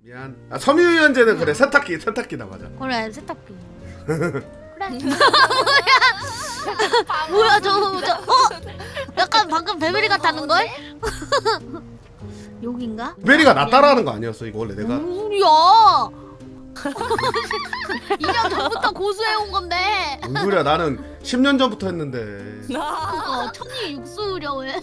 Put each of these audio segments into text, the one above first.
미안. 아 섬유유연제는 그래 세탁기다 맞아. 그래 세탁기. 그래. 뭐야 저거 약간 방금 베베리 같다는 걸? 여긴가? 베리가 나 따라하는 거 아니었어 이거 원래 내가. 무슨 소리야? 2년 전부터 고수해온 건데. 뭔 소리야 나는 10년 전부터 했는데. 그거 천이 육수려왜?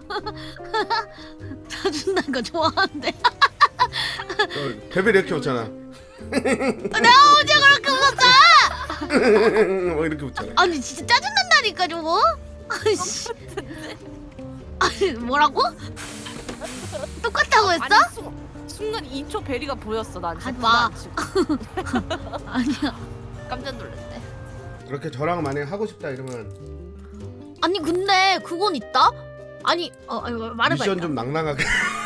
사준다는 거 좋아하는데. 베베리 이렇게 웃잖아. 내가 언제 그렇게 웃었어? 뭐 이렇게 웃잖아. 아니 진짜 짜증난다니까 저거. 아이씨. 아니 뭐라고? 똑같다고 했어? 아니, 순간 2초 베리가 보였어. 난 하지 마. 지금. 아니야. 깜짝 놀랐네. 그렇게 저랑 만약 하고 싶다 이러면 아니 근데 그건 있다. 아니 말해봐. 미션 일단. 좀 낭낭하게.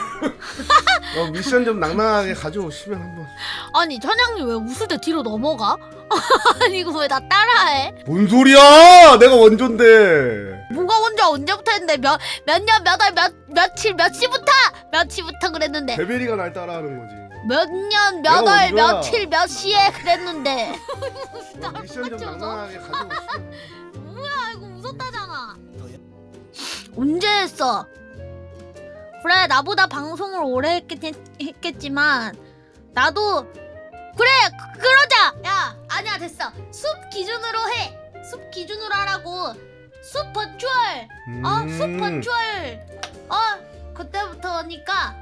미션 좀 낭낭하게 가져오시면 한번. 아니 천양님 왜 웃을 때 뒤로 넘어가? 아니 이거 왜 나 따라해? 뭔 소리야? 내가 원조인데. 뭐가 언제부터 했는데 몇 년 몇 월 며칠 몇 시부터 그랬는데 베베리가 날 따라하는 거지. 몇 년 몇 내가 월 원조야. 며칠 몇 시에 그랬는데. 미션 좀 낭낭하게 가져오시면. 뭐야 이거 웃었다잖아. 언제 했어? 그래 나보다 방송을 오래 했겠지만 나도 그래 그러자. 야 아니야 됐어. 숲 기준으로 해. 숲 기준으로 하라고. 숲 버추얼. 숲 버추얼. 그때부터니까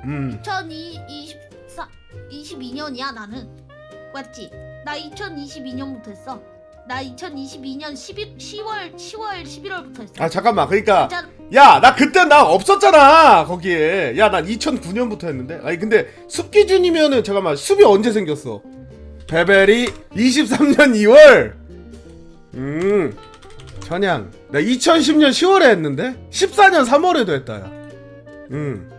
2022년이야 나는. 맞지? 나 2022년부터 했어. 나 2022년 10월 11월부터 했어. 아 잠깐만 그러니까 진짜 야 나 그때 나 없었잖아 거기에. 야 난 2009년부터 했는데. 아니 근데 숲 기준이면은 잠깐만 숲이 언제 생겼어? 베베리 23년 2월. 천양 나 2010년 10월에 했는데 14년 3월에도 했다 야.